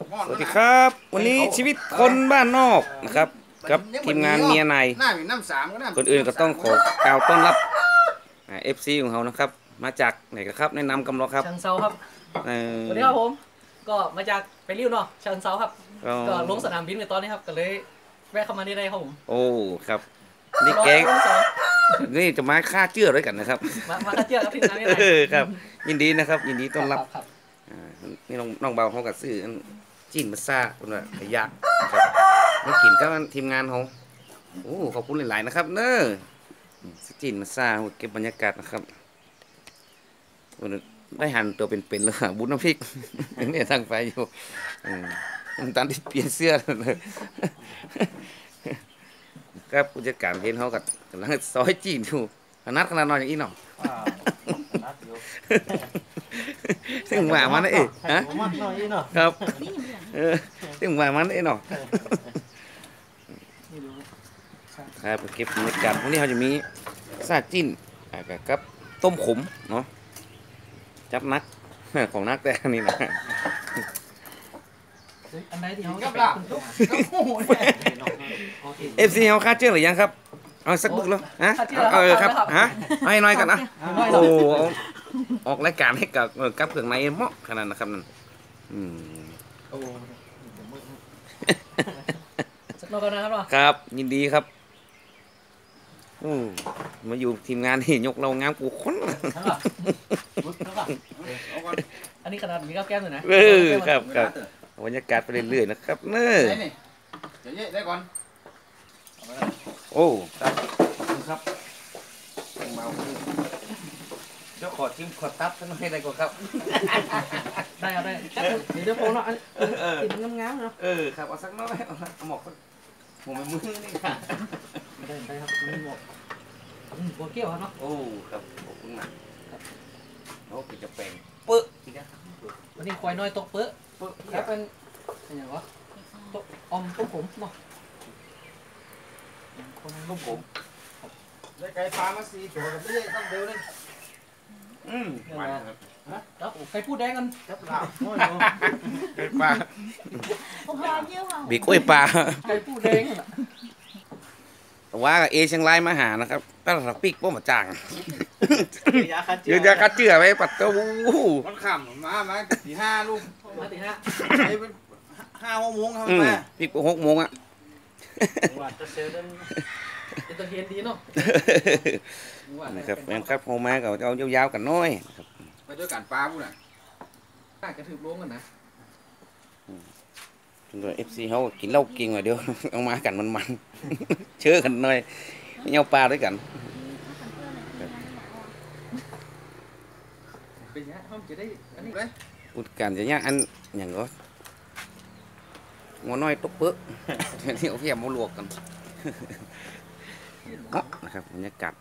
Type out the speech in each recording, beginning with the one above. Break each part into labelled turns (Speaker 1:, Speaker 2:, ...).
Speaker 1: สวัสดีครับวันนี้ชีวิตคนบ้านนอกนะครับกับทีมงานเมียนายคนอื่นก็ต้องขอกล่าวต้อนรับFC ของเขานะครับมาจากไหนกันครับแนะนำกำลังครับ
Speaker 2: เชิงเซาครับสวัสดีครับผมก็มาจากไปริ้วเนาะเชิงเซาครับก็ลงสนามบินในตอนนี้ครับก็เลยแวะเข้ามาได้ครับผม
Speaker 1: โอ้ครับนี่แกงนี่จะมาฆ่าเจือด้วยกันนะครับ
Speaker 2: มาฆ่าเจือครับทีมงานนี่
Speaker 1: ครับยินดีนะครับยินดีต้อนรับนี่น้องเบาเขากับซื้อจีนมาซ่าคนละขยะครับมากินกับทีมงานเขาโอ้ขอบคุณหลายๆนะครับเนอะจีนมาซ่าเก็บบรรยากาศนะครับได้หันตัวเป็นๆเลยบุญน้ำพริกนี่ทางไปอยู่ตอนที่เปลี่ยนเสื้อเลยครับผู้จัดการเห็นเขากับกำลังซอยจีนอยู่ขนาดนอนอย่างนี้เนาะซึ่งว่ามันเอ๊ะฮะครับซึ่งว่ามันเอ๊ะเนาะครับเก็บบรรยากาศวันนี้เขาจะมีซาจิ้นกับต้มขมเนาะจับนักของนักแต่นี่นะ
Speaker 2: อันไหนที่เขาจะ
Speaker 1: FC เขาค่าเชื่อหรือยังครับเอาสักบุกแล้วฮะครับฮะให้น้อยกันนะโอ้ออกรายการให้กับเครื่องในเหมาะขนาดนะครับนั่น
Speaker 2: สักรอบกันนะครับ
Speaker 1: ครับยินดีครับมาอยู่ทีมงานนี่ยกเรางามกูค้น
Speaker 2: อันนี้ขนาดมีข้าวแก้มเลยนะครับ
Speaker 1: บรรยากาศไปเรื่อยๆนะครับเนอะ
Speaker 3: ได้ก่อน
Speaker 1: โอ้ครับครับเดี๋ยวขอจิ้มขอตับสักหน่อยได้ก่อนครับ
Speaker 2: ได้เอาได้เดี๋ยวโพล่ะติดงามๆเนาะ
Speaker 1: ครับเอาสักน้อยเอาหมอกผมเป็นมือนี่ค่ะ
Speaker 2: ได้ครับมีหมอกหัวเกี้ยวครับเนาะ
Speaker 1: โอ้ครับขอบคุณมากครับโอ้กินจะแปลงเป๊ะ
Speaker 2: วันนี้ควายน้อยตกเป๊ะครับเป็นอย่างวะตกอมต้มผมเนาะ
Speaker 1: ต้มผม
Speaker 3: ได้ไก่ปลามา4 ตัวกับนี่ตั้งเดียวเลย
Speaker 1: หวานครับ
Speaker 2: ครับไก่พูดแดงกัน
Speaker 3: ครับลาบ
Speaker 1: ไก่ปลาบีกล้วยปลา
Speaker 2: ไก่พูดแดง
Speaker 1: ว่าเอเชียงรายมาหานะครับตั้งแต่ปีกป้อมาจ่างยืนยาคัดเจือไว้ปัดเต้า
Speaker 3: มันขำมาตี 5ลูก
Speaker 2: มาตี 5
Speaker 3: ไอ้เป็น5-6 โมงครับแม่
Speaker 1: ปีก6 โมงอ่ะ
Speaker 2: ว่าจะเซลล์ได้จะเห็นดีเนาะ
Speaker 1: นะครับแม่ครับโฮมากับเอายาวๆกันน้อยครับ
Speaker 3: ไปด้วยกันปลาพูดน่ะ
Speaker 2: กระถือล้วงกันนะ
Speaker 1: ตัวFC เขากินเหล้ากินหน่อยเดียวเอามากันมันเชื่อกันหน่อยเอาปลาด้วยกัน
Speaker 2: เป็นยังห้องจะได้อันนี้
Speaker 3: เลย
Speaker 1: พูดกันจะเนี่ยอันอย่างก็งอน้อยตกเปื้อที่เขาเพียบมาลวกกันนะครับบรรยากาศ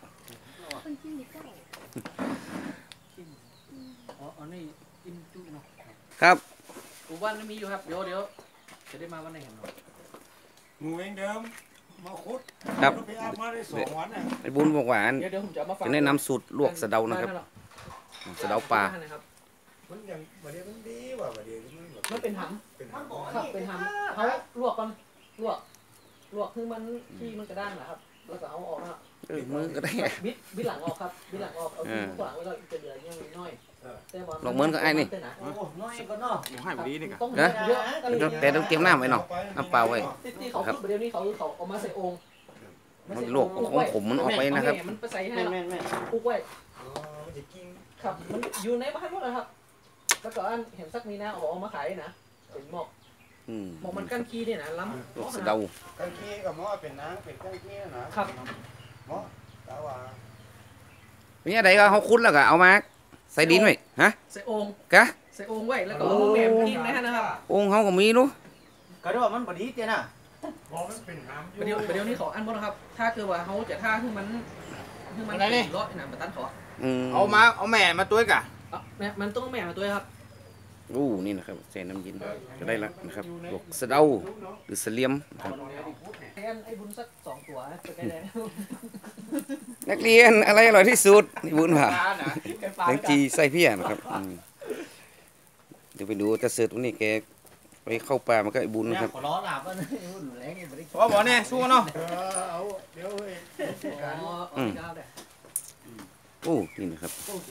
Speaker 2: อันนี้กินจุ้ยเนาะ
Speaker 1: ครับ
Speaker 2: วันนี้มีอยู่ครับเดี๋ยวจะได้มาวันไหนเห็นหรอ
Speaker 3: หมูเองเดิมมาคุด
Speaker 1: ครับ
Speaker 3: ไปอาบมาได้2 วันน่ะ
Speaker 1: ไอ้บุญบอกว่า
Speaker 2: เดี๋ยวผมจะมาฟัง
Speaker 1: จะแนะนำสูตรลวกสะเดานะครับสะเดาปลา
Speaker 3: มันอย่างประเดี๋ยวมันดีว่ะประเดี๋ยว
Speaker 2: มันเป็นหำครับเป็นหำเขาลวกก่อนลวกคือมันขี้มันกระด้างนะครับแล้วก็เอาออกนะ
Speaker 1: มือก็ได้
Speaker 2: บิดหลังออกครับบิดหลังออกเอาที่ขวางไว้เราจะเหลือยังน้อย
Speaker 1: ลงเหมือนกับไอ้นี่
Speaker 3: ให้ดีนี่กัน
Speaker 1: นะแต่ต้องเตรียมน้ำไว้หน่อยน้ำเปล่าไว้
Speaker 2: ครับเดี๋ยวนี้เขาเอามาใส่องค์
Speaker 1: มันลวกของผมมันออกไปนะครับ
Speaker 2: มันไปใส่ให้ปุ๊กไว้ครับมันอยู่ในบ้านหมดเลยครับแล้วก็เห็นสักมีนะเอามาขายนะเป็นหมอกมันกั้นขี้เนี่ยนะล้ำ
Speaker 1: สะเดา
Speaker 3: กั้นขี้กับหม้อเป็นน้ำเป็นกั้นขี้นะครับหม้อแต่ว่า
Speaker 1: เนี่ยใดก็เขาคุ้นแล้วก็เอามาใส่ดินไว้ฮะ
Speaker 2: ใส่องค์
Speaker 1: กะ
Speaker 2: ใส่องค์ไว้แล้วก็เอาแหม่กินนะครับ
Speaker 1: องค์เขาก็มีนู้
Speaker 3: ก็ได้ว่ามันบดีเจ้าน่ะ
Speaker 2: เดี๋ยวนี้เขาอันหมดนะครับถ้าเกิดว่าเขาจะท่าคือมันร้อยนะมาตั้นขอ
Speaker 3: เอาแม่มาตัวกะ
Speaker 2: มันต้องแม่มาตัวครับ
Speaker 1: นี่นะครับใส่น้ำยินจะได้ละนะครับลวกสะเดาหรือเสลียมครับ
Speaker 2: ไอ้บุญสัก2 ตัว
Speaker 1: นักเรียนอะไรอร่อยที่สุดนี่บุญค่ะแตงจีใส่เพี้ยนะครับเดี๋ยวไปดูจะเสิร์ฟตรงนี้แกไปเข้าป่ามันก็ไอ้บุญนะครับ
Speaker 4: ขอล้อหลับว่าหุ่นแรงยังไม่ได้
Speaker 3: เพราะบอกเนี่ยสู้เนาะ
Speaker 2: เอาเดี๋ยวเฮ้ยการเจ้าเนี่ย
Speaker 1: โอ้นี่นะครับ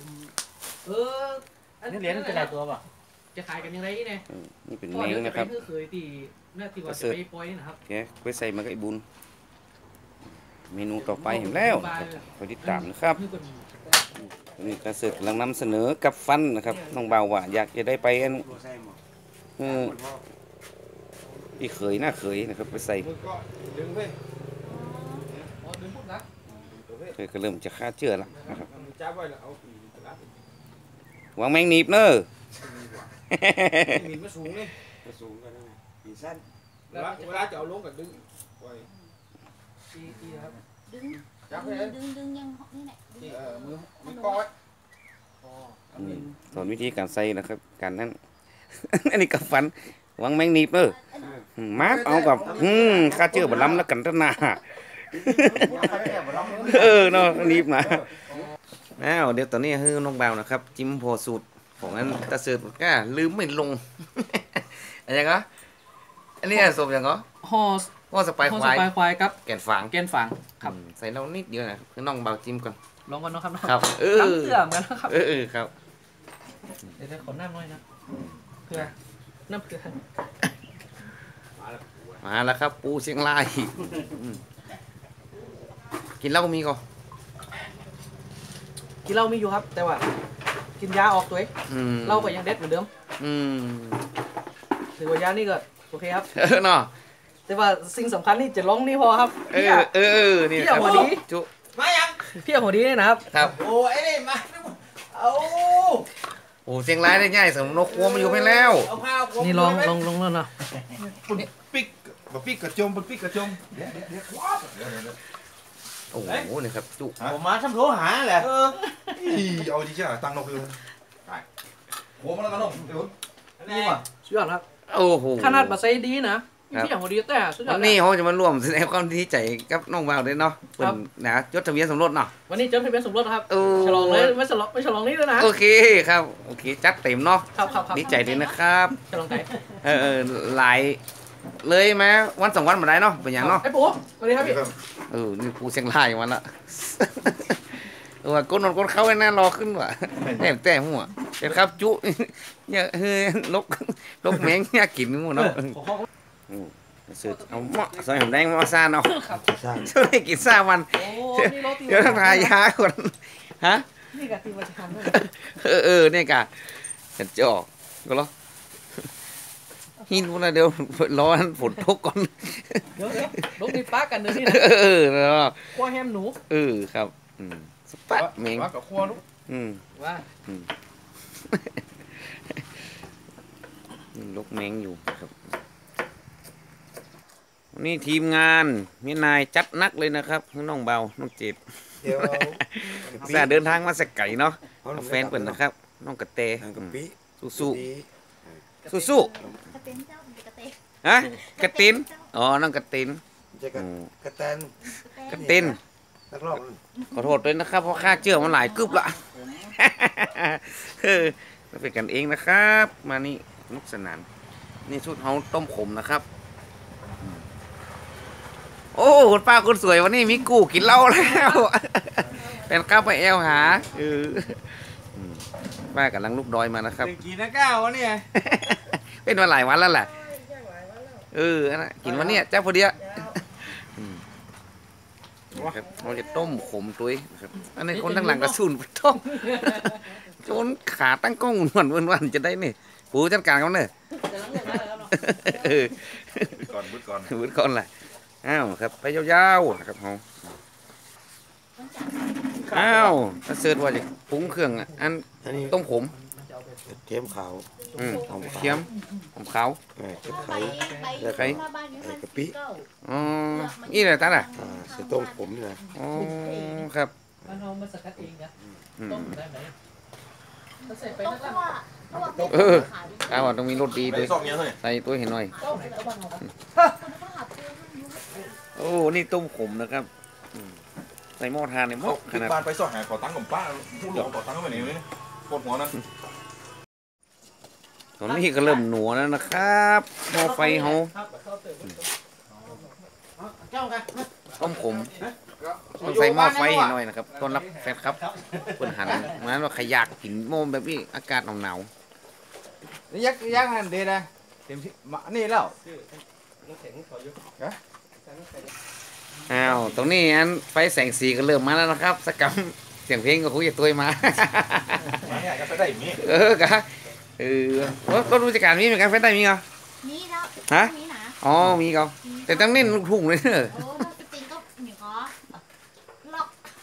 Speaker 4: นี่เหรียญเป็นหลายตัวป่ะ
Speaker 2: จะขายกันยังไงเนี่ย
Speaker 1: นี่เป็น
Speaker 2: พ่อ
Speaker 1: แมง
Speaker 2: เดี๋ยวจะ
Speaker 1: นะ
Speaker 2: ไป
Speaker 1: ครับ
Speaker 2: เคยตีหน้าที่ว่าจะไปปล่อยนะครับ
Speaker 1: แกไปใส่มันก็ไอ้บุญเมนูต่อไปเห็นแล้วไปติดตามนะครับนี่กระเสือกกำลังนำเสนอกับฟันนะครับน้องบ่าวว่าอยากจะได้ไปอันพี่เขยหน้าเขยนะครับไปใส่
Speaker 3: มือก็ดึงไป
Speaker 2: อ๋อดึงพุทธนะ
Speaker 1: เธอก็เริ่มจะฆ่าเชื่อแล้วนะครับ
Speaker 3: จับไว้แล้วเอาปีกระดาษ
Speaker 1: วางแมงหนีบเนอะ
Speaker 3: มีมาสูงนี่มาสูงกันนะปีสั้นเวลาจะเอาลงกับดึงไว้
Speaker 2: ตีครับ
Speaker 5: ดึง
Speaker 3: จับไป
Speaker 5: ดึงยังนี่แหละ
Speaker 3: มือกอด
Speaker 2: อ๋อ
Speaker 1: สอนวิธีการใส่นะครับการนั้น อันนี้กับฟันวางแมงหนีบเนอะมาร์กเอากับฆ่าเชื่อบล้ำแล้วกันตนา เนาะหนีบนะอ้าวเดี๋ยวตอนนี้คือน้องบ่าวนะครับจิ้มโพสูตรของอันตะเสือก้าลืมไม่ลง อะไรก็อันนี้สมอย่างก็
Speaker 2: ห่อ
Speaker 1: ว่าสไปาย
Speaker 2: ห่อ
Speaker 1: ค
Speaker 2: ส
Speaker 1: วาย
Speaker 2: ปายควายครับ
Speaker 1: แก่นฝาง
Speaker 2: แกนฝางครับ
Speaker 1: ใส่เรานิดเดียวนะคือน้องบ่าวจิ้มก่อน
Speaker 2: ลองกันเนาะครับ
Speaker 1: ครับเออ
Speaker 2: น้ำเสื่อมกันนะครับ
Speaker 1: เออครับ
Speaker 2: เดี๋ยวจะขอน้ำหน่อยนะเพื่อน้ำเพื่อ
Speaker 1: มาแล้วครับ ปูเชียงรายกินเหล้ามีก่อน
Speaker 2: กินเหล้ามีอยู่ครับ แต่ว่า กินยาออกตัวเองเหล้าก็ยังเด็ดเหมือนเดิมถือว่ายานี่ก็โอเคครับ
Speaker 1: เนาะ
Speaker 2: แต่ว่าสิ่งสำคัญนี่จะร้องนี่พอครับ
Speaker 1: นี่
Speaker 2: พี่
Speaker 1: ครั
Speaker 2: เอา
Speaker 1: บ
Speaker 2: หัวดี
Speaker 1: จุ
Speaker 3: มายัง
Speaker 2: พี่เอาหัวดีเนี่ยนะครับ
Speaker 1: ครับ
Speaker 3: โอ้ไอ้นี่มาเอา
Speaker 1: โอ้เชียงรายได้ง่ายสำหรับนกครัวมันอยู่ไปแล้ว
Speaker 3: เอาผ้า
Speaker 2: นี่ลองแล้วนะ
Speaker 3: ปิกบะปิกกระจมบะปิกกระจม
Speaker 1: โอ้โหนี่ครับจุ
Speaker 4: ผมมาทำโทรหาแหละ
Speaker 3: เอาดิจ้าตังนกเลยหัวมันแล้วกันนกเดี๋ยว
Speaker 4: นี่ว่ะ
Speaker 2: สุดยอดครับ
Speaker 1: โอ้โห
Speaker 2: ขนาดมาใส่ดีนะพี่เอาหัวดีแต่สุดยอ
Speaker 1: วั
Speaker 2: ด
Speaker 1: นนี้เขาจะมาร่วมแสดงความดีใจกับน้องบ่าวด้วยเนาะเป็นนะจดทะเบียนสมรสเนาะ
Speaker 2: วันนี้จดทะเบียนสมรสครับ
Speaker 1: โอ้
Speaker 2: ฉลองเลยไม่ฉลองนี่ด้วยนะ
Speaker 1: โอเคครับโอเคจัดเต็มเนาะ
Speaker 2: ครับ
Speaker 1: ดีใจด้วยนะครับ
Speaker 2: ฉลองไก่
Speaker 1: หลายเลยไหมวันสองวันมาได้เนาะเป็นอย่างเนาะ
Speaker 2: ไอ้ปู่สวัสดีครับพี่
Speaker 1: นี่ปูเชียงรายวันละว่าก้นนอนก้นเข้าไอ้นั่นรอขึ้นว่ะแต่หัวเป็นครับจุเนี่ยเฮ้ยลกแมงเนี่ยกินหมดเนาะสืบเอาเหมาะใส่หอมแดงมาซ่าเนาะช่วยกินซ่าวัน
Speaker 2: โอ้นี่รถตี
Speaker 1: เดี๋ยวต้องทายาก่อนฮะ
Speaker 2: นี่กะตีมาจะทำด้วย
Speaker 1: เนี่ยกะเห็นจะออกก็เหรอหินพวกนั้นเดี๋ยวรอฝนตกก่อน
Speaker 2: เดี๋ยวรถตีป้ากันเดี๋ยวนี้นะ
Speaker 1: เนาะ
Speaker 2: ขั้วแฮมหนู
Speaker 1: ครับสปัดเมง
Speaker 3: ว่ากับครัวลูก
Speaker 2: ว่า
Speaker 1: ลกแมงอยู่ครับวันนี้ทีมงานมีนายจัดนักเลยนะครับน้องเบาน้องเจ็บ
Speaker 3: เดี๋ยว
Speaker 1: แซ่เดินทางมาสักไก่เนาะแฟนเปิ่นนะครับ น้องกระเต
Speaker 3: กะปิ
Speaker 1: สู้สู้
Speaker 5: กระเต็นเจ้าเป็นกระเต็น
Speaker 1: ฮะกระตินอ๋อน้องกระติน
Speaker 3: จะกระแตน
Speaker 1: กระติน
Speaker 3: นักร้อง
Speaker 1: ขอโทษด้วยนะครับเพราะค่าเชื่อมันหลายกึบละเราเป็นกันเองนะครับ มานี่นุกสนานนี่ชุดเฮาต้มขมนะครับโอ้คุณป้าคุณสวยวันนี้มีกูกินเหล้าแล้วเป็นข้าวไปแอลหาป้ากำลังลูกดอยมานะครับ
Speaker 3: กี่นะก้าววะเนี่ย
Speaker 1: เป็นมาหลายวันแล้วแหละนะกินวันเนี้ยเจ้าพอดีครับเราจะต้มขมตุ้ยนะครับอันนี้คนทั้งหลังกระสุนต้มจนขาตั้งกล้องวันจะได้นี่ปูจัดการเขาเนี่ย
Speaker 2: จะล้างเรื่องได้แล้วเนาะ
Speaker 3: บุดก่อน
Speaker 1: วุ้นก่อนแหละอ้าวครับไปยาวๆนะครับเขาอ้าวถ้าเสิร์ชว่าจะปรุงเครื่องอันต้มขม
Speaker 3: เทียมขาว
Speaker 1: หอมเทียมหอมขาว
Speaker 5: ไปมาบ้านนี้
Speaker 3: กะปิ
Speaker 1: อ๋อนี่แหละตาล่ะ
Speaker 3: ใส่ต้มผมนี่นะ
Speaker 1: อ๋อครับ
Speaker 2: มันเอามาสกัดเองนะต้มได้ไหมถ้าใส่ไป
Speaker 5: ต้ม
Speaker 2: นั่น
Speaker 5: คั่ว
Speaker 1: เอาต้องมีรสดีด้วยใส่ตัวเห็นหน่อย
Speaker 2: ต้มไหนก็บ้างเอาครับ
Speaker 1: โอ้นี่ต้มขมนะครับใส่หม้อทานในหม้อขนาด
Speaker 6: บ้านไปสอดหาขอตังค์กับป้าผู้หลวงขอตังค์ไปไหนเลยปวดหัวนั่น
Speaker 1: ตอนนี้ก็เริ่มหนัวแล้วนะครับหม้อไฟเฮา
Speaker 4: เจ้ากัน
Speaker 1: ต้มขมต้องใส่หม้อไฟให้หน่อยนะครับต้อนรับแฟนครับเพิ่นหันมาว่าใครอยากกินโมมแบบนี้อากาศหนาว
Speaker 3: นี่ยักหันเดนะเต็มที่นี่แล้ว
Speaker 1: ๆอ้าวตรงนี้อันไฟแสงสีก็เริ่มมาแล้วนะครับสกรรมเสียงเพลงก็คุยกับตัวมา
Speaker 3: เนี่ยจะไปได้มี
Speaker 1: กะว่าต้นรู้จักการมีเหมือนกันไฟได้มีเหรอ
Speaker 5: นี่แล้ว
Speaker 1: ฮะ
Speaker 5: นี่นะ
Speaker 1: อ๋อมีเหรอแต่ตั้งเน้นลูกทุ่งเลยเนอะ
Speaker 5: โอ้สติงก็เหนียวล็อก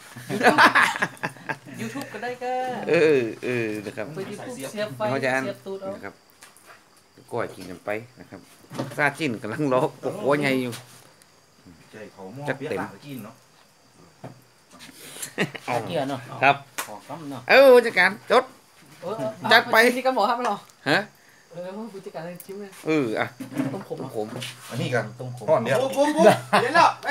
Speaker 2: ยูทูบก็ได้ก็
Speaker 1: นะครับ
Speaker 2: ไปยูทูบเสียบไฟ
Speaker 1: เขาจะอัน
Speaker 2: เสียบตูดเอา
Speaker 1: นะครับก้อยกินกันไปนะครับซาจิ้นกำลังรอปกหัวใหญ่อยู่ จัดเต็ม
Speaker 3: กินเนาะ
Speaker 4: เกี่ยเนาะ
Speaker 1: ครับ
Speaker 4: ขอต้มเนาะ
Speaker 1: ผู้จัดการจด จัดไป
Speaker 2: ที่กันบอกครับมันหรอ
Speaker 1: ฮะ
Speaker 2: ผู้จัดการชิมเลย
Speaker 1: อ่ะ
Speaker 2: ต้มขม
Speaker 1: ผม
Speaker 3: อันนี้กัน
Speaker 4: ต้มขม
Speaker 3: ห่อนเนี่ยปุ๊บเดี๋ยวแล้วไป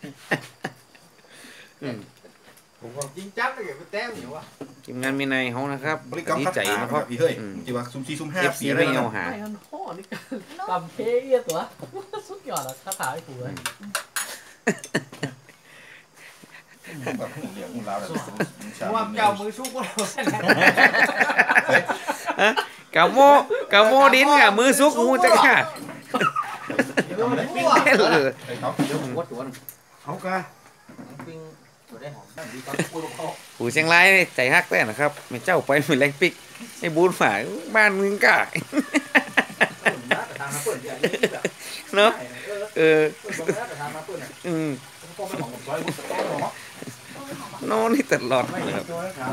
Speaker 3: ผมก็จริงจังเลยไปแต้มอยู่วะ
Speaker 1: ทีมงานมีนายเขานะครับ
Speaker 6: บริกรรม
Speaker 1: ดี
Speaker 6: คัด
Speaker 1: ใจ
Speaker 6: หา
Speaker 1: นะครับ
Speaker 6: พี่เฮ้ยจีว่าซุ่ม4ซุ่ม
Speaker 1: เอฟ
Speaker 6: 5
Speaker 1: ซี
Speaker 6: ปีอะไร
Speaker 1: ไม่
Speaker 6: นะ
Speaker 1: เอาหา
Speaker 2: ไม่มันห่อนี่กำเพเอียตัวสุดยอดอ่ะคาถาไอ้ผัว
Speaker 6: แบบเรียกมึงลาวเลย
Speaker 3: ว่าเจ้ามือชุกว่าเรา
Speaker 1: กะโมกะโมดินกะมือซุกงูจักค่ะ
Speaker 6: ไอ้เขา
Speaker 4: วัดตัวนึง
Speaker 3: เขากะ
Speaker 4: ปิ้งตัวได้หอม
Speaker 1: ผู้เชียงรายนี่ใจฮักแต่นะครับไม่เจ้าไปเหมือนแรงปิกไอ้บูนฝ่ายบ้านมึงกะเนาะโน่นนี่ตลอดนะครับ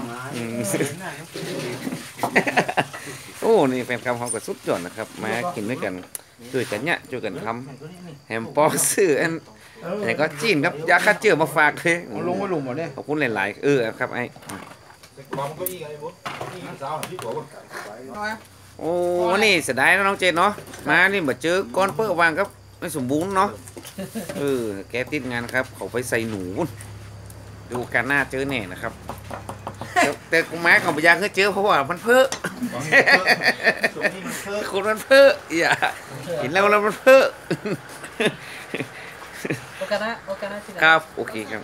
Speaker 1: โอ้นี่แฟนคลับเขาก็สุดยอดนะครับมากินด้วยกันช่วยกันเนี่ยช่วยกันทำแฮมปอกซื้ออันไหนก็จีนครับยาฆ่าเชื้อมาฝากเลย
Speaker 3: เอาลงไว้หลุมหมดเนี่ย
Speaker 1: ขอบคุณหลายๆครับไอ้
Speaker 6: บอมก็ยี่ไงบุ๊นี่สาวที่ตัว
Speaker 1: โอ้นี่เสียดายนะน้องเจนเนาะมานี่มาเจอก้อนเปิ้ลวางครับไม่สมบูรณ์เนาะแกติดงานครับเขาไปใส่หนูดูการหน้าเจอแน่นะครับแต่กูแม้ของพยาเคยเจอเพราะว่ามันเพ้อคนมันเพ้ออย่าเห็นแล้วมันเพ้อ
Speaker 2: โอกานะที่ไหน
Speaker 1: ครับโอเคครับ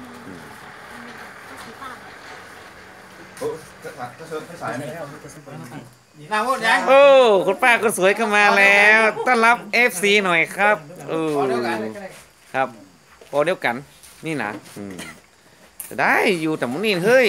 Speaker 6: สายไหม
Speaker 3: นางว่ายัง
Speaker 1: โอ้คุณป้าคนสวยก็มาแล้วต้อนรับ FC หน่อยครับครับพอเดียวกันนี่นะจะได้อยู่แต่มุนี่เฮ้ย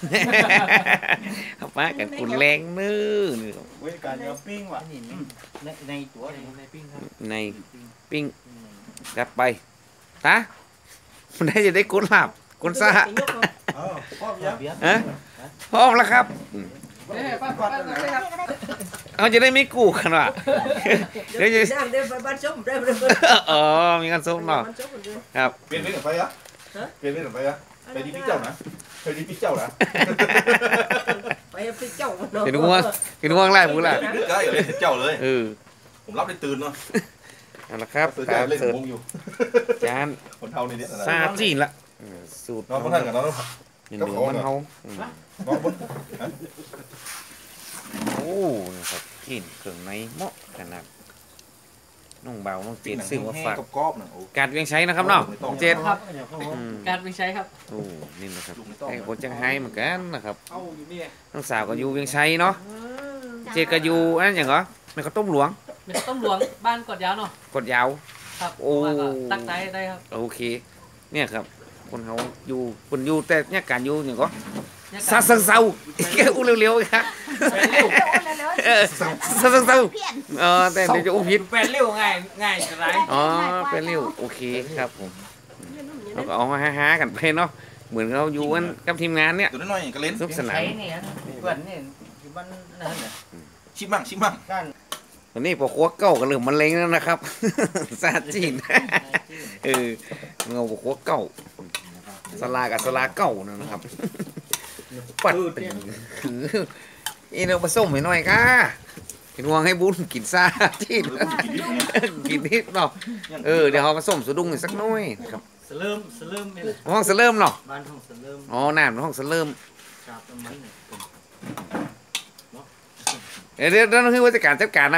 Speaker 1: ป้ากันคุณแรงนื้อ
Speaker 6: เว้ยการยาปิ้งว่ะ
Speaker 4: นี่ในตัวในปิ้งครับ
Speaker 1: ในปิ้งกลับไปตามันได้จะได้กุนหลับกุนซ่า
Speaker 6: พ่อยัง
Speaker 4: เบียร์
Speaker 1: ฮะพร้อมแล้วครับ
Speaker 2: ป้าครับ
Speaker 1: เขาจะได้ไม่กู้กันว่ะเดี๋ยวจะ
Speaker 7: ย่างเดินไปบ้านส้มได้เลย
Speaker 1: อ๋อมีกันส้มเนาะ
Speaker 7: บ้านส้มเลย
Speaker 1: ครับ
Speaker 6: เปลี่ยนเป็นไฟอะเปลี่ยนเป็นไฟอะไปดีพี่เจ้านะไปดีพี่เจ้านะ
Speaker 7: ไปไปเจ้าเนาะ
Speaker 1: เห็นง่วงไล่บุล่ะ
Speaker 6: นึกได้เลยเจ้าเลย ผมรับได้ตื่นเนาะ
Speaker 1: เอาละครับ
Speaker 6: ตื่น
Speaker 1: ตาม
Speaker 6: เล่น
Speaker 1: เสิร์ฟ
Speaker 6: มงอยู่
Speaker 1: จาน
Speaker 6: คนเท่านี้เนี่ย
Speaker 1: ซาจีนละสูตร
Speaker 6: น้องคนท่านกับน้อง
Speaker 1: หนึ่งมันเฮา
Speaker 6: น้องบน
Speaker 1: โอ้นะครับกินเครื่องในเหมาะขนาดน้องเบาน้องเจนซื้อมาฝาก
Speaker 6: กับกรอบนะโอ้
Speaker 1: การเวียงใช้นะครับเนาะน้องเจน
Speaker 2: ครับการไปใช้ครับ
Speaker 1: โอ้นี่นะครับไอ้คนจังไห้เหมือนกันนะครับ
Speaker 3: เอาอยู่นี่
Speaker 1: น้องสาวก็อยู่เวียงชัยเนาะเจนก็อยู่อันอย่างเหรอมันก็ต้มหลวง
Speaker 2: เป็นต้มหลวงบ้านกดยาวเนาะ
Speaker 1: กดยาว
Speaker 2: ครับ
Speaker 1: โอ้
Speaker 2: ตักได้ครับ
Speaker 1: โอเคเนี่ยครับคนเขาอยู่คนอยู่แต่เนี่ยการอยู่อย่างก็ซาเซาแกอู้เร็วๆครับซาเซาแต่เดี๋ยวจะอู้ผิด
Speaker 3: แปลนเร็วง่ายจะไร
Speaker 1: อ๋อเป็นเร็วโอเคครับผมเราก็เอามาฮ่าๆกันไปเนาะเหมือนเราอยู่กันกับทีมงานเนี่ย
Speaker 6: ตัวน้อยก็เล่น
Speaker 1: สนุกสนาน
Speaker 4: ใช้นี่เพื่อนนี่ที่บ้านนั่นน่ะ
Speaker 6: ชิมมั่ง
Speaker 4: การ
Speaker 1: ตอนนี้พอครัวเก่ากันเริ่มมันเล็งแล้วนะครับซาจีนเงาพอครัวเก่าสลากับสลาเก่านะครับปัดอีเราผสมให้หน่อยค่ะกินวางให้บุญกินซาจีนกินนิดเนาะเดี๋ยวเขาผสมสุดุ้งอีกสักหน่อยครับ
Speaker 4: สเริ่มนี่แหละ
Speaker 1: ห้องสเริ่มเนาะ
Speaker 4: บ้านห้องสเริ่ม
Speaker 1: อ๋อน้ำห้องสเริ่ม
Speaker 4: ชาบต้นไม้เนี่ย
Speaker 1: เดี๋ยวนั่นคือว่าจัดการ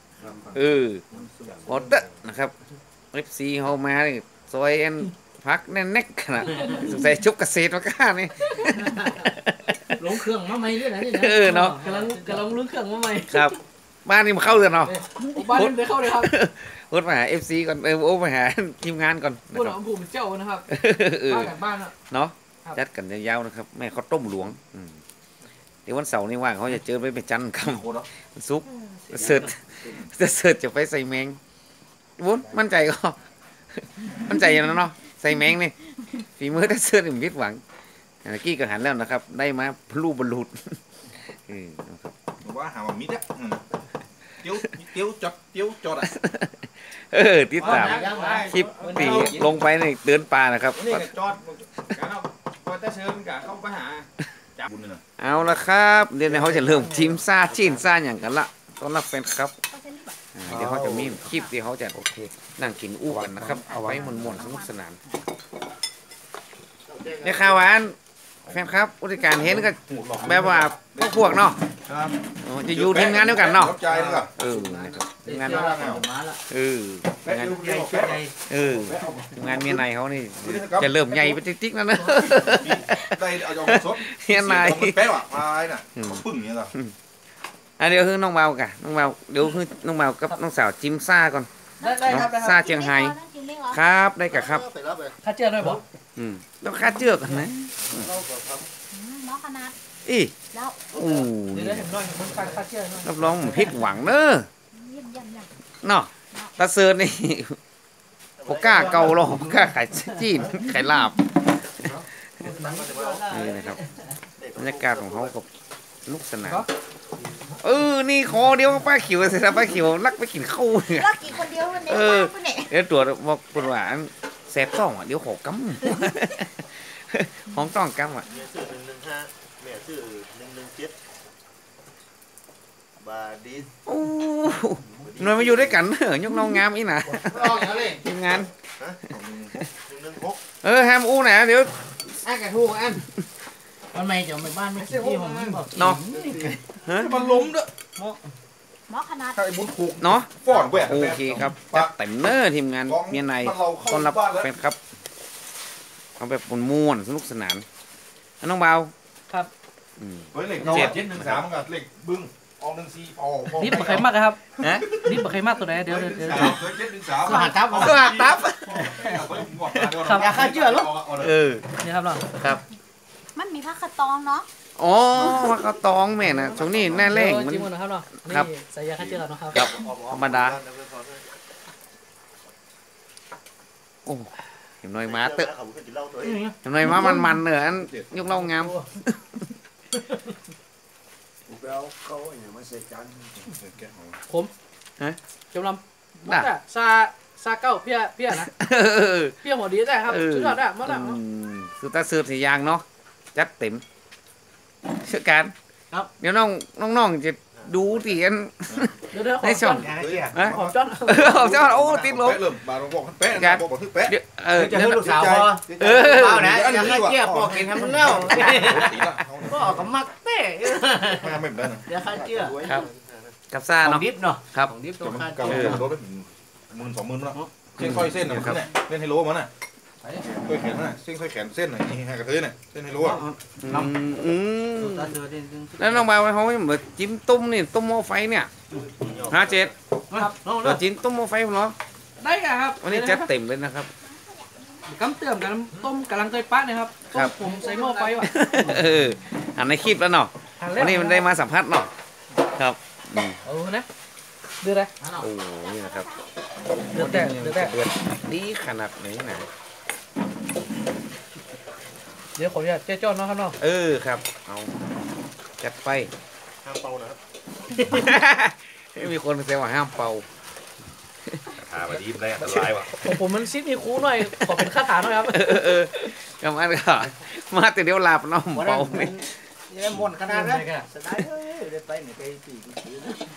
Speaker 1: ออเดอร์นะครับ FC เฮามานี่ซอยอันพักแน่ๆขนาดสงสัยชุบเกษตรมาก้านี่
Speaker 2: ลงเครื่องมาใหม่ด้วยนะนี่นะ
Speaker 1: เนาะ
Speaker 2: กำลังลุ้นเครื่องมาใหม่
Speaker 1: ครับ บ้านนี่มาเข้าเดือนเนาะ
Speaker 2: บ้านนี้ได้เข้าเลยครับ
Speaker 1: พูดมาหา FC ก่อนโอ้มาหาทีมงานก่อนนะ
Speaker 2: พูด
Speaker 1: ค
Speaker 2: ถึ
Speaker 1: รับ
Speaker 2: งภูมิเจ้านะครับ
Speaker 1: เออ
Speaker 2: บ้านกันบ้านอ่ะ
Speaker 1: เนาะ
Speaker 2: ครับ
Speaker 1: จัดกันยาวๆนะครับแม่เขาวต้มหลวงเดี๋ยววันเสาร์นี่ว่างเขาจะเจอไปจันทร์ค
Speaker 6: โคตร
Speaker 1: ำซุปเสิร์ชจะไปใส่แมงวุ้นมั่นใจก็ มั่นใจอย่างนั้นเนาะใส่แมงนี่ฝีมือถ้าเสิร์ชผมผิดหวังกี้ก็หันแล้วนะครับ ได้มาพลูบรรลุนะครับ
Speaker 6: ว่าหาว่ามิดอ่ะเตี้ยวจอดอ่ะ
Speaker 1: ติดตามคลิปตีลงไปในเดินป่านะครับ
Speaker 3: นี่ก็จอดการเอาพอจะเชิญกับเข้าไปหา
Speaker 6: จับบุญเลย
Speaker 1: เอาละครับเดี๋ยวเขาจะเริ่มทีมซ่าจีนซ่าอย่างกันละต้อนรับแฟนครับเดี๋ยวเขาจะมีคลิปที่เขาจะนั่งกินอู้กันนะครับเอาไว้ม่วนๆสนุกสนานเนี่ยข่าวหวานแฟนครับผู้จัดการเห็นก็แบบว่าพวกเนาะ
Speaker 6: ครับ
Speaker 1: จะอยู่ทีมงานเดียวกันเนาะ
Speaker 6: รับใจนี่ก็
Speaker 1: นะครับทีมงาน
Speaker 4: มาละ
Speaker 6: แป๊ะ
Speaker 1: งาน
Speaker 6: เดียว
Speaker 4: ใหญ่
Speaker 6: แป๊ะ
Speaker 4: ใหญ่
Speaker 1: ทีมงานเมียนายเขานี่จะเริ่มใหญ่ไปติ๊กๆแล้วนะ
Speaker 6: ได้เอาจองสด
Speaker 1: เมียนาย
Speaker 6: แป๊ะว่ะมาไอ้น่ะปึ้งเนี่ยเหรอ
Speaker 1: เดี๋ยวคือน้องเบากันน้องเบาเดี๋ยวคือน้องเบากับน้องสาวจิ้มซ่าก่อน
Speaker 2: ได้ครับได้ค
Speaker 1: ซ่า
Speaker 2: รับ
Speaker 1: เชียงไฮ้
Speaker 5: จริงไหมเหรอ
Speaker 1: ครับได้กับครับ
Speaker 2: ข้าเจ้าด้วยบอก
Speaker 1: ต้องค่าเจือกกันนะ
Speaker 5: หมอขนาด
Speaker 1: อี
Speaker 5: แล้ว
Speaker 1: โอ้
Speaker 2: เดี๋ยวได้ถึงน้อยมึงข้าเจ้าหน่อย
Speaker 1: รับรองผมผิดหวังเนอะ
Speaker 5: เยี่ยม
Speaker 1: เนาะตาเซิร์นนี่ผมกล้าเกาหรอกผมกล้าขายจีนขายลาบนี่นะครับบรรยากาศของเขากับลูกสนามนี่คอเดียวป้าขิวเสร็จแล้วป้าขิวลักไปกินข้าวเนี่ย
Speaker 5: แล้วกี่คนเดียวในบ้านคนไหน
Speaker 1: เดี๋ยวตรวจบอกคนว่าแสบต้องอ่ะเดี๋ยวขอกำ ของต้องกำอ่ะ
Speaker 8: เมียชื่อ115แม่ชื่อ117บาดี
Speaker 1: โอ้หน่วยมาอยู่ด้วยกันเหรอยกน้องงามอีน่ะ
Speaker 3: รออย่างนี้
Speaker 1: ทีมงาน
Speaker 8: ฮะ116
Speaker 1: แฮมอู้นะเดี๋ยว
Speaker 3: อันกระทูอัน
Speaker 4: วันใหม่จะไปบ้านไม่กี่ที่ผมบอก
Speaker 1: เนาะ
Speaker 6: มันล้มด้วย
Speaker 5: หมอขนาด
Speaker 6: ถ้าไอ้บุญถูก
Speaker 1: เนาะ
Speaker 6: ฟ้อนแหวก
Speaker 1: โอเคครับจัดเต็มเนอร์ทีมงานเมียในต้อนรับแฟนครับเอาแบบม่วนๆสนุกสนานน้องเบา
Speaker 6: เฮ้ยเหล็ก713มันก็เหล็กบึ้งออก14ออก
Speaker 2: นิดบ่ใครมากครับ
Speaker 1: ฮะ
Speaker 2: นิดบ่ใครมากตัวไหนเดี๋ยว
Speaker 6: 713
Speaker 4: สหัสทับ
Speaker 1: สวัสดีครับ
Speaker 4: อยากฆ่าเชื่อหรอ
Speaker 2: นี่ครับเนาะ
Speaker 1: ครับ
Speaker 5: มันมีผ้าขตองเนาะ
Speaker 1: อ๋อว่ากระตองแม่นะช่วงนี้หน้าแรงมัน
Speaker 2: จิ้มกันนะครับเนาะนี่
Speaker 1: ครับ
Speaker 2: ใส่ยาฆ่าเชื้อเนาะครับ
Speaker 1: ครับธรรมดาโอ้เห็นหน่อยมาเตอะ
Speaker 8: เขาบอกกินเหล้าตัวเอง
Speaker 1: เห็นหน่อยมามันๆเนอะอันยกเล่างาม
Speaker 8: แล้วเขาอย่างมาเสกกัน
Speaker 2: จำลำมดอะซาเก้าเพี้ยนะเพี้ยหัวดีได้ครับสุดยอดได้มดอะ
Speaker 1: สุดตาสืบสียางเนาะจัดเต็มเชื่อการเดี๋ยวน้องจะดูที่อัน
Speaker 2: เดี๋ยวข
Speaker 1: ใน
Speaker 2: อ
Speaker 1: ช่
Speaker 2: จ้
Speaker 1: อ
Speaker 2: อง น
Speaker 1: ฮะ
Speaker 2: ขอจ้อน
Speaker 1: เอาเจ้าโอ้ติดลบ
Speaker 6: เริ่มบาร์บอกแป๊ะบอกถึงแป๊ะ
Speaker 1: เดี๋ยว
Speaker 4: จะให้ลูกสาวพอเอานะอยากให้เจี๊ยบบอกกินทำมันแล้วก็ออกกับมักเต้
Speaker 6: ไม่ได้นะ
Speaker 4: อยากให้เจี๊ยบ
Speaker 1: ครับกับซ่า
Speaker 4: ของ
Speaker 1: เนาะ
Speaker 4: ดิบเนาะ
Speaker 1: ครับ
Speaker 4: ของดิบตั
Speaker 6: จะ
Speaker 4: ว
Speaker 6: มัน
Speaker 4: ค่า
Speaker 6: เก่า
Speaker 4: เจี๊ยบ
Speaker 6: โดนไป10,000 20,000แล้วเส้นค่อยเส้นน่ะเล่นไฮโลมันน่ะค่อยแขนน่ะเส้นค่อยแขนเส้นน่ะนี่ให้กระเทยน่ะเส้นไฮโลอ่ะ
Speaker 4: ตาเธอเด่น
Speaker 1: แล้วน้องบ่าวเขาเหมือนจิ้มตุ้มนี่ตุ้มหม้อไฟเนี่ย57
Speaker 2: ครับ
Speaker 1: เราจิ้มตุ้มหม้อไฟเหรอ
Speaker 2: ได้กันครับ
Speaker 1: วันนี้จัดเต็มเลยนะครับ
Speaker 2: กำเติมกันต้มกำลังเคยปั้นนะครับต้มผมใส่หม้อไฟว่ะ
Speaker 1: อันในคลิปแล้วเนาะวันนี้มันได้มาสัมภาษณ์เนาะครับ
Speaker 2: นะเดือดเลย
Speaker 1: โอ้นี่นะครับ
Speaker 2: เดือดแต่เดือดแต่
Speaker 1: เดือดดีขนาดไหนนะ
Speaker 2: เดี๋ยวขออนุญาตเจ๊จ้อนเนาะครับเนาะ
Speaker 1: ครับเอาจัดไป
Speaker 8: ห้ามเป่านะครับ
Speaker 1: มีคนแซวว่าห้ามเป่า
Speaker 6: หามาดีมันได้อันตรายว่ะ
Speaker 2: ของผมมันซิดมีคูหน่อยขอเป็นคาถาหน่อยครับ
Speaker 1: กำอันก็มาแต่เดี๋ยวหลับเนาะเป่านี่
Speaker 4: ยังหมดขนาดนั้นสบายเลยไปไหนไปสี่ปี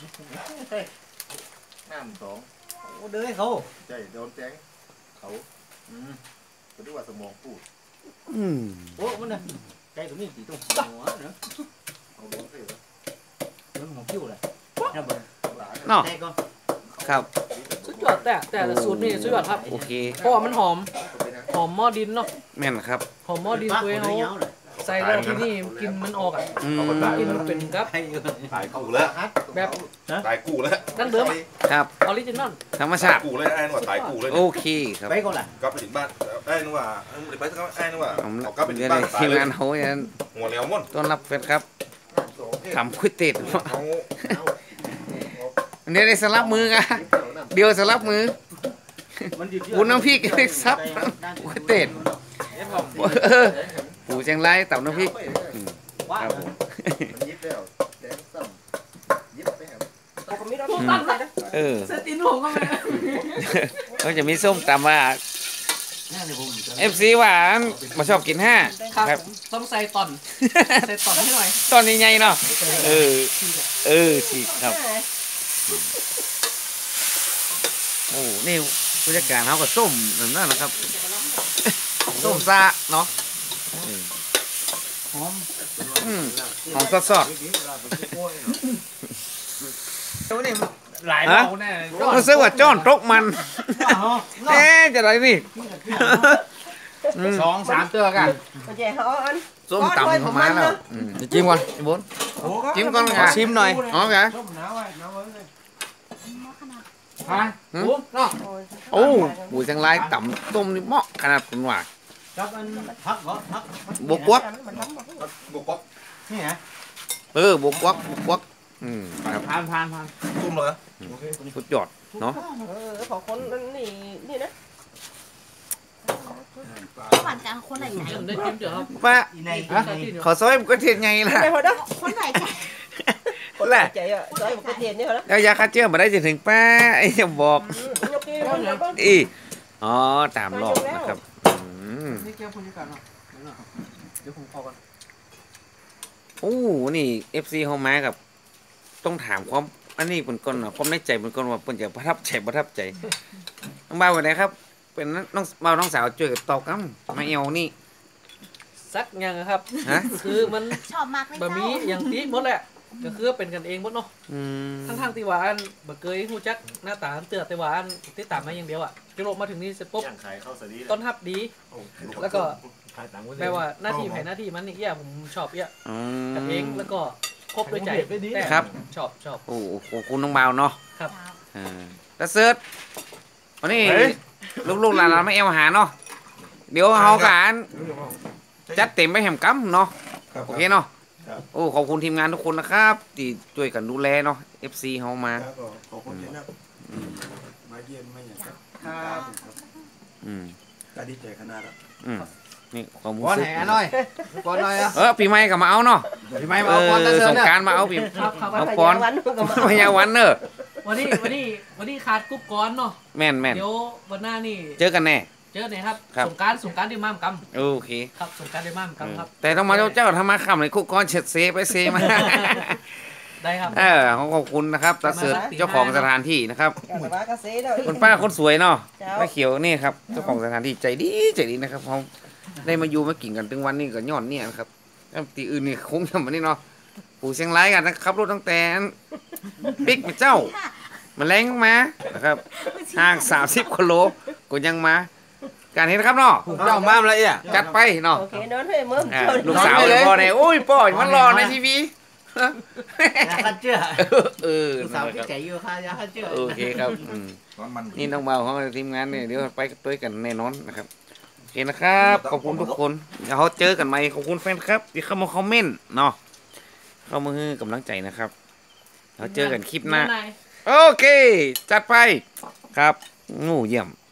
Speaker 4: น้ำสองโอ้เด้อเขา
Speaker 8: ใจโดนแจ้งเขาเขาเรียกว่าสมองปูด
Speaker 4: โอ้มันน่ะใจตรงนี้ตีตรงหัวเนาะ
Speaker 8: เอาล้มเสีย
Speaker 4: เรื่องของคิ้วเลย
Speaker 2: โอ้
Speaker 1: เนาะครับ
Speaker 2: สุดยอดแต่ละสูตรนี่สุดยอดครับ
Speaker 1: โอเค
Speaker 2: เพราะว่ามันหอมหม้อดินเนาะ
Speaker 1: แม่นครับ
Speaker 2: หอมหม้อดินตัวเขาใส่แล้วที่นี่กินมันออกอ่ะ
Speaker 1: อืม
Speaker 2: กินมันเป็นครับ
Speaker 6: ตายกูแล้ว
Speaker 2: แบบ
Speaker 6: ตายกูแล้ว
Speaker 2: ดั้งเดิมอะ
Speaker 1: ครับ
Speaker 2: ออริจินอล
Speaker 1: ธรรมชาติ
Speaker 6: กูเลยไอ้นึกว่าตายกูเลย
Speaker 1: โอเคครับ
Speaker 4: ไปก่อนล่ะ
Speaker 6: กลับไปถึงบ้านไอ้นึกว่าไปสักไอ้นึกว่า
Speaker 1: ผม
Speaker 6: เอากลับไปถึ
Speaker 1: เดี๋
Speaker 6: ง
Speaker 1: ยว
Speaker 6: บ้าน
Speaker 1: นี้
Speaker 6: ตาย
Speaker 1: ทีม
Speaker 6: เลย
Speaker 1: งานเขาอย่างนั้น
Speaker 6: หัวแล้วม่น
Speaker 1: ต้อนรับแฟนครับทำก๋วยเตี๋ยว
Speaker 6: เอา
Speaker 1: เดี๋ยวได้สลับมือกันเดี๋ยวสลับมือปูน้ำพริกได้ซับก๋วยเตี๋ยวปูเชียงรายตับน้ำพริกครับผม
Speaker 8: มันยิบแล้วแดงซ้ำยิบไปแหม
Speaker 7: ผมมีรถตั้งเลยนะ
Speaker 2: เซตินผมก็ไม่
Speaker 1: ก็จะมีส้มตำว่า FC หวานมาชอบกินห้า
Speaker 2: ครับต้องใส่ตอนใส่ตอนให้หน่อย
Speaker 1: ตอนใหญ่ๆเนาะฉีกครับโอ้นี่ผู้จัดการเขาก็ส้มนั่นนะครับส้มซาเนาะหอมสดๆ
Speaker 4: หลายเราแน่
Speaker 1: รู้สึกว่าจ้อนตกมันจะไรนี่
Speaker 4: 2-3เตือกัน
Speaker 7: มันจะเขาอัน
Speaker 1: ส้มตำของมาแล้วจิ้มก่อนไอ้บนจิ้มก่อนไงชิมหน่อยอ๋อไง
Speaker 4: ฮะ
Speaker 1: โอ้ปูจังไรต่ำต้มนี่เหมาะขนาดคุณว่า
Speaker 4: จับมันพักเหรอพัก
Speaker 1: บวกวัก
Speaker 6: บุกป๊อก
Speaker 4: นี่ไง
Speaker 1: บวกวักครับ
Speaker 4: ผ่าน
Speaker 6: ตุ้มเลย
Speaker 1: สุดยอดเนาะ
Speaker 7: ของคนนี่นี่นะ
Speaker 5: หวานกันคนไหนใจ
Speaker 2: ได้จิ้มเดี๋ยวครับ
Speaker 1: ป้า
Speaker 4: ใน
Speaker 1: ขอซอยก็เทียนไงล่ะ
Speaker 7: ไม่พอได้
Speaker 5: คนไหนใจ
Speaker 7: คนใจอ่ะซอยมันก็เทียนนี่เหรอ
Speaker 1: แล้วยาฆ่าเชื้อมาได้จะถึงป้าไอ้จะบอก
Speaker 7: ยกนี่มันแล้วก็
Speaker 1: อีอ๋อตามรอบนะครับ
Speaker 2: นี่เกี่ยวคนนี้กันเนาะเดี๋ยวผมพอกัน
Speaker 1: โอ้นี่ FC เฮามากับ ต้องถามความอันนี้เป็นก่อนนะความในใจเป็นก่อนว่าเพิ่นจะประทับใจน้องบ่าวว่าไดครับ เป็นน้องบ่าวน้องสาวช่วยกับตอบกำมาเอวนี่
Speaker 2: ซักยังครับ
Speaker 1: ฮะ
Speaker 2: คือมัน
Speaker 5: ชอบมากเลย
Speaker 2: บะหมี่อย่างตีหมดแหละก็คือเป็นกันเองหมดเนาะ
Speaker 1: อืม
Speaker 2: ทั้งๆที่ว่าอันบะเกยฮู้จักหน้าตาอันเตือแต่ว่าอันติดตามมาอย่างเดียวอ่ะจุโรมาถึงนี่เสร็จปุ๊บ
Speaker 8: ย่างขายข้าวสาลี
Speaker 2: ต้นฮับดี แล้วก็แปลว่าหน้าที่ไผหน้าที่มันนี่เอี้ยผมชอบเอี้ย
Speaker 1: อื
Speaker 2: กันเองแล้วก็ครบด้วยใจแต่
Speaker 1: ครับ
Speaker 2: ชอบ
Speaker 1: โอ้โหคุณน้องบ่าวเนาะ
Speaker 2: ครับ
Speaker 1: แล้วเซิร์ชวันนี้ลูกๆหลานๆไม่เอวหาเนาะเดี๋ยวเฮากันจัดเต็มไปแหมกำเนาะโอเคเนาะโอ้ขอบคุณทีมงานทุกคนนะครับที่ช่วยกันดูแลเนาะ FC เฮามา
Speaker 3: ขอบคุณนะมาเยี่ยมไม่อย่างครับ
Speaker 1: อืม
Speaker 3: ก็ดีใจขนาดอ่ะ
Speaker 1: นี่ความรู้
Speaker 4: ก้อน
Speaker 1: สึ
Speaker 4: แห
Speaker 1: ก
Speaker 4: หน่อยก้อนหน่อยอ่ะ
Speaker 1: ปีใหม่ก็มาเอาเนาะ
Speaker 4: พี่ไม่มาเอาก้อนตะเซิ
Speaker 1: ส
Speaker 4: น
Speaker 1: ง
Speaker 4: เนี่ย
Speaker 1: กรารมาเอาปี
Speaker 2: ครับครับ
Speaker 1: เอาก้อนพยาวันเนอะ
Speaker 2: วันนี้ขาดกุ๊บก้อนเนาะ
Speaker 1: แม่น
Speaker 2: เดี๋ยววันหน้านี่
Speaker 1: เจอกันแน่
Speaker 2: เจอไหนครับ
Speaker 1: ครับ
Speaker 2: สงกรารที่ม่ามก
Speaker 1: โอเค
Speaker 2: ำครับสงกรารที่ม่ามกำครับ
Speaker 1: แต่ต้องมาเจ้าทำมาคำเลยคุกก้อนเฉดเซไปเซมา
Speaker 2: ได้ครับ
Speaker 1: ขอบคุณนะครับตาเสิร์ชเจ้าของสถานที่นะครับ
Speaker 7: แต่ว่ากระเซ็นเลย
Speaker 1: คุณป้าคนสวยเนาะ
Speaker 7: เจ้า
Speaker 1: ป้าเขียวนี่ครับเจ้าของสถานที่ใจดีนะครับเขาได้มาอยู่มากินกันถึงวันนี้ก็ย้อนเนี่ยนะครับแล้วตีอื่นนี่คงจะมานี่เนาะปู่เชียงรายกันนะครับรถตั้งแต่ปิ๊กมาเจ้ามาแรงมานะครับห่าง30กิโลก็ยังมา การเห็นนะครับเนาะ
Speaker 4: เจ้าบ้ามละเอียด
Speaker 1: จัดไปเนาะ
Speaker 7: โอเคนอนให้มึง
Speaker 1: ลูกสาวเลยพ่อเนี่ยโอ้ยพ่อมันรอในทีวี
Speaker 4: ยาฆ่าเชื้อ
Speaker 1: เออ
Speaker 4: ลูกสาวพี่ใจอยู่ค่ะยาฆ่าเชื้อ
Speaker 1: โอเคครับ
Speaker 6: ร้อนมัน
Speaker 1: นี่น้องเบาของทีมงานเนี่ยเดี๋ยวไปด้วยกันแน่นอนนะครับโอเคนะครับขอบคุณทุกคนเดี๋ยวเขาเจอกันใหม่ขอบคุณแฟนครับที่เข้ามาคอมเมนต์เนาะเข้ามาให้กำลังใจนะครับเราเจอกันคลิปหน้า โอเค จัดไปครับงูเยี่ยม